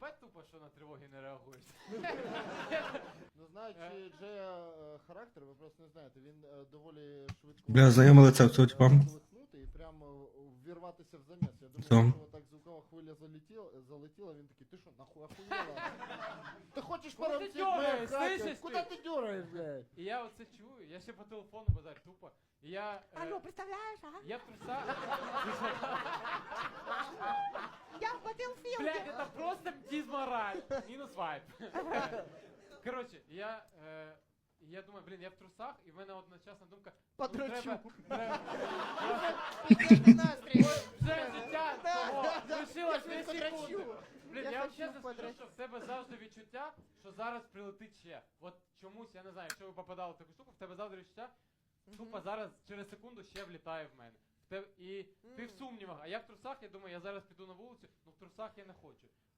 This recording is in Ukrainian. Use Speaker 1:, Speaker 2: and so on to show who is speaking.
Speaker 1: їбать тупо, що на тривоги не реагуєш.
Speaker 2: Ну, знаючи Джея характер, ви просто не знаєте, він доволі швидко...
Speaker 3: Бля, знайоме лице цього типа.
Speaker 2: Колихнути і прямо ввірватися в заміс. Я думаю, що так звукова хвиля залетіла, він такий, ти що, нахуй охуєла? Ти хочеш
Speaker 1: Куди ти
Speaker 2: порамцить
Speaker 1: дергаєш,
Speaker 2: мене,
Speaker 1: слышиш
Speaker 2: куди
Speaker 1: ти?
Speaker 2: ти дергаєш, блядь?
Speaker 1: І я оце чую, я ще по телефону базар, тупо. І я...
Speaker 4: Алло, представляєш, ага?
Speaker 1: Я в трусах...
Speaker 4: Я в Battlefield.
Speaker 1: Блядь, это просто дизмораль. Минус вайп. Короче, я думаю, блін, я в трусах, і в мене одночасна думка...
Speaker 2: Подрочу.
Speaker 4: Підтримки настрій.
Speaker 1: Вже життя того лишилось
Speaker 4: Я
Speaker 1: 2 секунди.
Speaker 4: подрочу.
Speaker 1: Блін,
Speaker 4: Я
Speaker 1: я вам
Speaker 4: хочу
Speaker 1: чесно скажу,
Speaker 4: подрочити.
Speaker 1: що в тебе завжди відчуття, що зараз прилетить ще. От чомусь, я не знаю, якщо ви попадали в таку штуку, в тебе завжди відчуття, тупо зараз через секунду ще влітає в мене. І ти в сумнівах, а я в трусах, я думаю, я зараз піду на вулицю, ну в трусах я не хочу.